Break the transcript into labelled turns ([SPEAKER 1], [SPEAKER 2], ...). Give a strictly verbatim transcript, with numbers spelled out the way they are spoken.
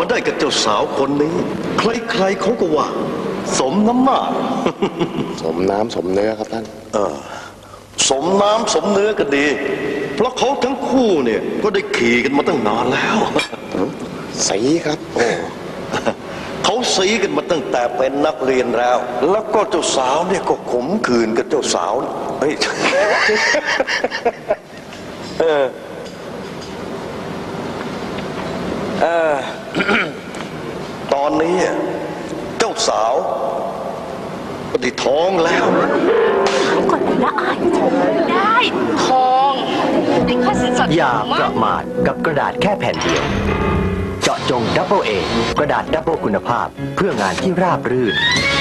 [SPEAKER 1] มาได้กับเจ้าสาวคนนี้ใครๆเขาก็ว่าสมน้ำหน้า
[SPEAKER 2] สมน้ำสมเนื้อครับท่าน
[SPEAKER 1] เออสมน้ำสมเนื้อกันดี เพราะเขาทั้งคู่เนี่ยก็ได้ขี่กันมาตั้งนานแล้ว
[SPEAKER 2] สีครับโอ้
[SPEAKER 1] เขาสีกันมาตั้งแต่เป็นนักเรียนแล้ว แล้วก็เจ้าสาวเนี่ยก็ขมขื่นกับเจ้าสาวเฮ้ย เออเออ ตอนนี้เจ้าสาวก็ได้ท้องแล้ว
[SPEAKER 3] ก่อนละอายได้ทองได้ค่าสินสอด
[SPEAKER 4] อย่าประมาทกับกระดาษแค่แผ่นเดียว เจาะจงดับเบิลเอกระดาษดับเบิลคุณภาพเพื่องานที่ราบรื่น